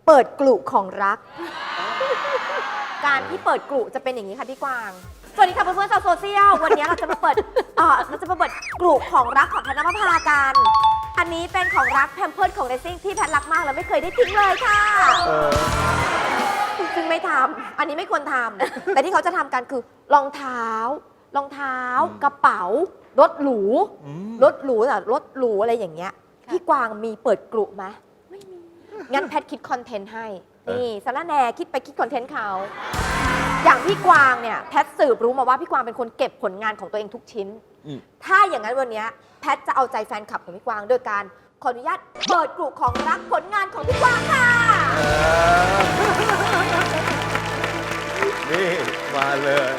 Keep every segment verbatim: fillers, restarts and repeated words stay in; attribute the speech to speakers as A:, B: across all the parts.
A: เปิดกลุ่มของรัก การที่เปิดกลุ่มจะเป็นอย่างนี้ค่ะพี่กวางสวัสดีค่ะเพื่อนๆชาวโซเชียลวันนี้เราจะมาเปิดเออเราจะมาเปิดกลุ่มของรักของธนภพากันอันนี้เป็นของรักแพมเพิร์สของเรซิ่งที่แพทรักมากแล้วไม่เคยได้ทิ้งเลยค่ะซึ่งไม่ทำอันนี้ไม่ควรทำแต่ที่เขาจะทำกันคือรองเท้ารองเท้ากระเป๋ารถหรูรถหรูอะรถหรูอะไรอย่างเงี้ยพี่กวางมีเปิดกลุ่มไหมไม่มีงั้นแพทคิดคอนเทนต์ให้นี่สารแหน่คิดไปคิดคอนเทนต์เขาอย่างพี่กวางเนี่ยแพทสืบรู้มาว่าพี่กวางเป็นคนเก็บผลงานของตัวเองทุกชิ้นถ้าอย่างนั้นวันนี้แพทจะเอาใจแฟนคลับของพี่กวางโดยการขออนุญาตเปิดกลุ่มของรักผลงานของพี่กวางค่ะ
B: นี่มาเลย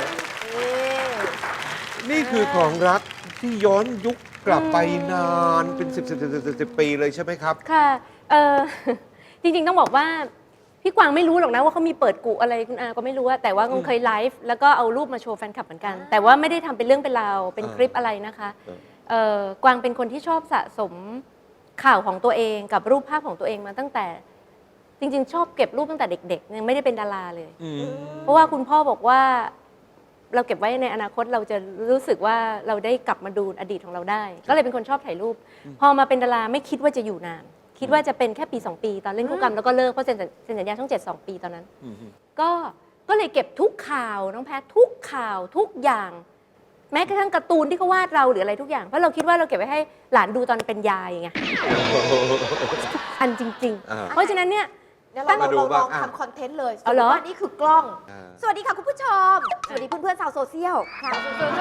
B: นี่คือของรักที่ย้อนยุคกลับไปนานเป็นสิบสิบสิบสิบสิบปีเลยใช่ไหมครับ
C: ค่ะเออจริงๆต้องบอกว่าพี่กวางไม่รู้หรอกนะว่าเขามีเปิดกุอะไรคุณอาก็ไม่รู้แต่ว่าคงเคยไลฟ์แล้วก็เอารูปมาโชว์แฟนคลับเหมือนกันแต่ว่าไม่ได้ทำเป็นเรื่องเป็นราวเป็นคลิปอะไรนะคะเออกวางเป็นคนที่ชอบสะสมข่าวของตัวเองกับรูปภาพของตัวเองมาตั้งแต่จริงๆชอบเก็บรูปตั้งแต่เด็กๆยังไม่ได้เป็นดาราเลยเพราะว่าคุณพ่อบอกว่าเราเก็บไว้ในอนาคตเราจะรู้สึกว่าเราได้กลับมาดูอดีตของเราได้ก็เลยเป็นคนชอบถ่ายรูปพอมาเป็นดาราไม่คิดว่าจะอยู่นานคิดว่าจะเป็นแค่ปีสองปีตอนเล่นคู่กรรมแล้วก็เลิกเพราะเซ็นสัญญาช่องเจ็ดสองปีตอนนั้นก็ก็เลยเก็บทุกข่าวน้องแพททุกข่าวทุกอย่างแม้กระทั่งการ์ตูนที่เขาวาดเราหรืออะไรทุกอย่างเพราะเราคิดว่าเราเก็บไว้ให้หลานดูตอนเป็นยายไงอันจริงๆเพราะฉะนั้นเนี่ย
A: เราลองลองทำคอนเทนต์เลยสมมติว่านี่คือกล้องสวัสดีค่ะคุณผู้ชมสวัสดีเพื่อนๆชาวโซเชียลค่ะ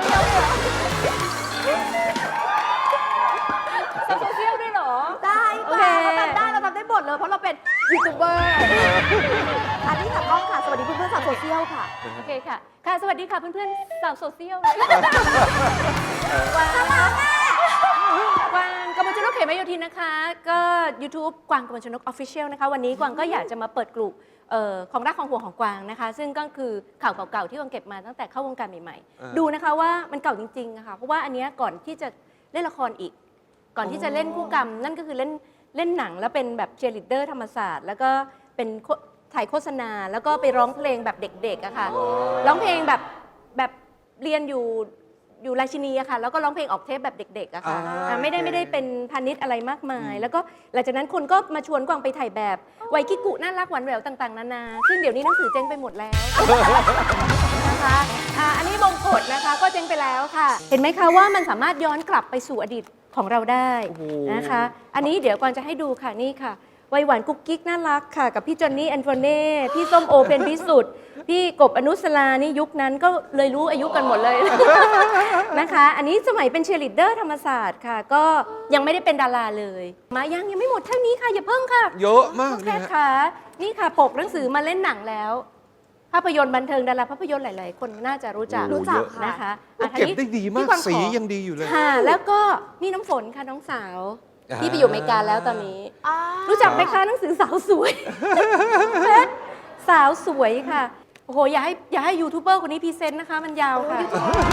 C: โซเชียลด้วยเหรอ
A: ได้ค่ะเราทำได้เราทำได้หมดเลยเพราะเราเป็นยูทูบเบอร์อันนี้ค่ะกล้องค่ะสวัสดีเพื่อนๆชาวโซเชียลค่ะ
C: โอเคค่ะค่ะสวัสดีค่ะเพื่อนๆชาวโซเชียล
A: วาง
C: กวางกมลชนกเขมโยธินนะคะก็ YouTube กวางกมลชนก Official นะคะวันนี้กวางก็อยากจะมาเปิดกลุ่มของรักของห่วงของกวางนะคะซึ่งก็คือข่าวเก่าๆที่กวางเก็บมาตั้งแต่เข้าวงการใหม่ๆดูนะคะว่ามันเก่าจริงๆนะคะเพราะว่าอันนี้ก่อนที่จะเล่นละครอีกก่อนที่จะเล่นคู่กรรมนั่นก็คือเล่นเล่นหนังแล้วเป็นแบบเชียร์ลีดเดอร์ธรรมศาสตร์แล้วก็เป็นถ่ายโฆษณาแล้วก็ไปร้องเพลงแบบเด็กๆอะค่ะร้องเพลงแบบแบบเรียนอยู่อยู่ราชินีอะค่ะแล้วก็ร้องเพลงออกเทปแบบเด็กๆอะค่ะไม่ได้ไม่ได้เป็นพาณิชย์อะไรมากมายแล้วก็หลังจากนั้นคนก็มาชวนกวางไปถ่ายแบบไวคิกุน่ารักหวานแหววต่างๆนานาซึ่งเดี๋ยวนี้หนังสือเจ๊งไปหมดแล้วนะคะอันนี้บงกฎนะคะก็เจ๊งไปแล้วค่ะเห็นไหมคะว่ามันสามารถย้อนกลับไปสู่อดีตของเราได้นะคะอันนี้เดี๋ยวกวางจะให้ดูค่ะนี่ค่ะวัยหวานกุ๊กกิ๊กน่ารักค่ะกับพี่จอนนี่แอนโทเน่พี่ส้มโอเป็นพิสุทธิ์พี่กบอนุสรานี่ยุคนั้นก็เลยรู้อายุกันหมดเลยนะคะอันนี้สมัยเป็นเชียร์ลีดเดอร์ธรรมศาสตร์ค่ะก็ยังไม่ได้เป็นดาราเลยมายังยังไม่หมดเท่านี้ค่ะอย่าเพิ่งค่ะ
B: เยอะมาก
C: แค่ค่ะนี่ค่ะปกหนังสือมาเล่นหนังแล้วภาพยนตร์บันเทิงดาราภาพยนตร์หลายๆคนน่าจะรู้จัก
A: รู้จัก
C: นะคะ
B: เก็บได้ดีมากสียังดีอยู่เลย
C: ค่ะแล้วก็นี่น้ำฝนค่ะน้องสาวที่ไปอยู่อเมริกาแล้วตอนนี้รู้จักไหมคะหนังสือสาวสวยเพชรสาวสวยค่ะโอ้โหอย่าให้อย่าให้ยูทูบเบอร์คนนี้พรีเซนต์นะคะมันยาวค่ะ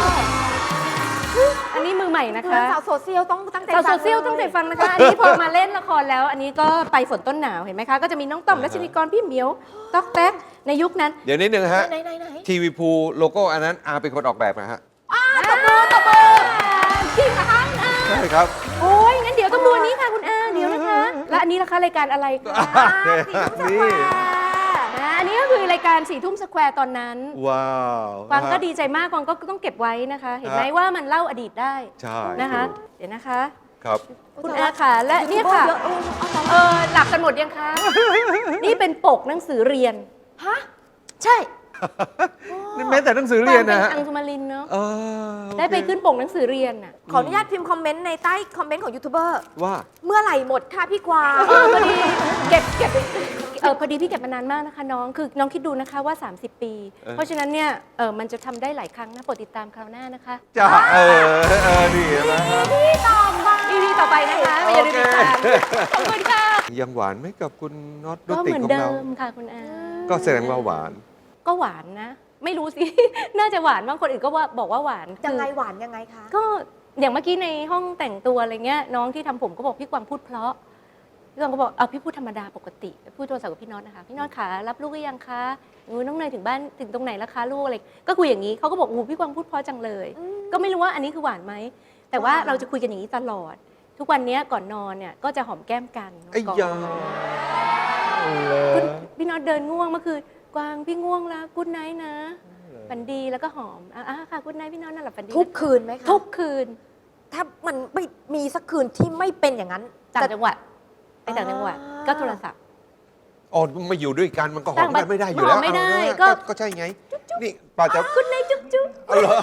C: อันนี้มือใหม่นะคะ
A: สาวโซเชียลต้องตั้งใจ
C: สาวโซเชียลต้องใจฟังนะคะอันนี้พอมาเล่นละครแล้วอันนี้ก็ไปฝนต้นหนาวเห็นไหมคะก็จะมีน้องต่อมรัชนีกรพี่เหมียวต๊อกแต๊กในยุคนั้น
B: เดี๋ยวนิดนึงฮะทีวีพูโลโก้อันนั้นอาเป็นคนออกแบบนะฮะ
A: อ้าตบมือตบมือ
C: จริงคะ
B: ใช่ครับ
C: โอ้ยงั้นเดี๋ยวต้องดูอันนี้ค่ะคุณอาเดี๋ยวนะคะและอันนี้ล่ะคะรายการอะไรคะ
B: นี่
C: อันนี้ก็คือรายการสี่ทุ่มสแควร์ตอนนั้น
B: ว้าว
C: กวางก็ดีใจมากกวางก็ต้องเก็บไว้นะคะเห็นไหมว่ามันเล่าอดีตได้
B: ใช่
C: นะคะเดี๋ยวนะคะ
B: ครับ
C: คุณอาค่ะและนี่ค่ะเออหลับกันหมดยังคะนี่เป็นปกหนังสือเรียน
A: ฮะใช่
B: แม้แต่หนังสือเรียนนะ
C: ฮะอังสุมารินเนาะได้ไปขึ้นปกหนังสือเรียนอ่ะ
A: ขออนุญาตพิมพ์คอมเมนต์ในใต้คอมเมนต์ของยูทูบเบอร์
B: ว่า
A: เมื่อไหร่หมดค่ะพี่กวาง
C: พอดีเก็บเก็บเออพอดีพี่เก็บมานานมากนะคะน้องคือน้องคิดดูนะคะว่าสามสิบปีเพราะฉะนั้นเนี่ยเออมันจะทำได้หลายครั้งนะโปรดติดตามคราวหน้านะคะ
B: จ้าเออเออดี
A: นะพี่ต่อไป
C: พี่ต่อไปนะคะอย่าลืมติดตามขอบคุณค่ะ
B: ยังหวานไหมกับคุณน็อต
C: ก็เหมือนเดิมค่ะคุณอา
B: ก็แสดงว่าหวาน
C: ก็หวานนะไม่รู้สิน่าจะหวานบางคนอื่นก็ว่าบอกว่าหวาน
A: ยังไงหวานยังไงคะ
C: ก็อย่างเมื่อกี้ในห้องแต่งตัวอะไรเงี้ยน้องที่ทำผมก็บอกพี่กวางพูดเพราะพี่กวางก็บอกเอาพี่พูดธรรมดาปกติพูดโทรศัพท์กับพี่น็อตนะคะพี่น็อตขารับลูกหรือยังคะงูน้องเนยถึงบ้านถึงตรงไหนแล้วคะลูกอะไรก็คุยอย่างนี้เขาก็บอกโอ้พี่กวางพูดเพราะจังเลย ก็ไม่รู้ว่าอันนี้คือหวานไหมแต่ว่าเราจะคุยกันอย่างนี้ตลอด ทุกวันนี้ก่อนนอนเนี่ยก็จะหอมแก้มกัน
B: ไอ้
C: ก่อน
B: ยา
C: คุณพี่น็อตเดินง่วงเมื่อคืนกวางพี่ง่วงแล้วกู๊ดไนท์นะฝันดีแล้วก็หอมอ่ะค่ะกู๊ดไนท์พี่น็อตนั่นแหละฝันดี
A: ทุกคืนไหมคะ
C: ทุกคืน
A: ถ้ามันไม่มีสักคืนที่ไม่เป็นอย่างนั้น
C: ต่างจังหวัดไปต่างจังหวัด
A: อ่า
C: ก็โทรศัพท์
B: อ๋อมาอยู่ด้วยกันมันก็หอม
C: ต่างบ้าน
B: กันไม่ได้อยู่แล้ว
C: หอมไม่ได้
B: เอานะ
C: ก็
B: ก็ใช่ไงนี่ป่าจะ
C: กู๊ดไนท์จุ๊บจุ๊บ
B: เอาเหรอ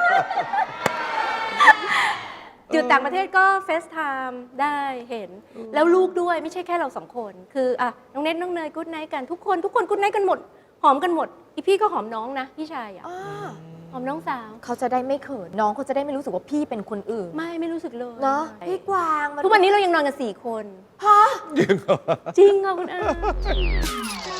C: อยู่ต่างประเทศก็เฟซไทม์ได้เห็น แล้วลูกด้วยไม่ใช่แค่เราสองคน คืออ่ะน้องเน็ตน้องเนยกู๊ดไนท์กันทุกคนทุกคนกู๊ดไนท์กันหมด หอมกันหมดอีพี่ก็หอมน้องนะพี่ชายอ่ะ
A: อ่า
C: หอมน้องสาว
A: เขาจะได้ไม่เขินน้องเขาจะได้ไม่รู้สึกว่าพี่เป็นคนอื่น
C: ไม่ไม่รู้สึกเลย
A: เนาะพี่กวางมั
C: ทุกวันนี้เรายังนอนกันสี่คน
A: ฮะ
B: จริงเหรอ
C: จริงค่ะคุณอา